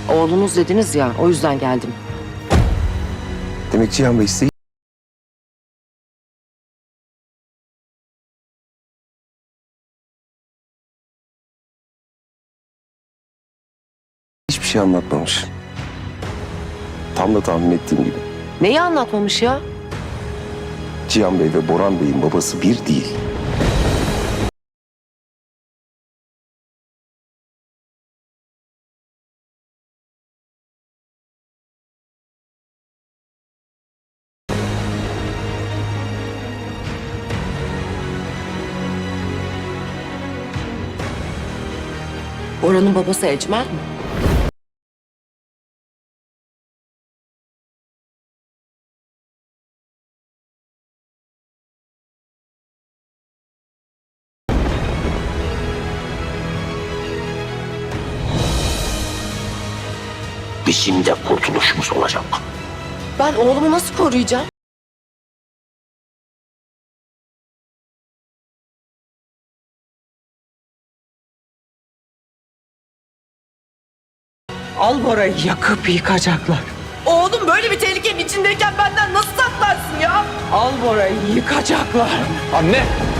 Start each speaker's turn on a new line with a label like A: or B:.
A: Oğlunuz dediniz ya, o yüzden geldim.
B: Demek Cihan Bey size hiçbir şey anlatmamış. Tam da tahmin ettiğim gibi.
A: Neyi anlatmamış ya?
B: Cihan Bey ve Boran Bey'in babası bir değil.
A: Orhan'ın babası Ecmel mi?
C: Bizim de kurtuluşumuz olacak.
A: Ben oğlumu nasıl koruyacağım?
D: Al Bora'yı yakıp yıkacaklar.
A: Oğlum böyle bir tehlikenin içindeyken benden nasıl saklarsın ya?
D: Al Bora'yı yıkacaklar.
E: Anne!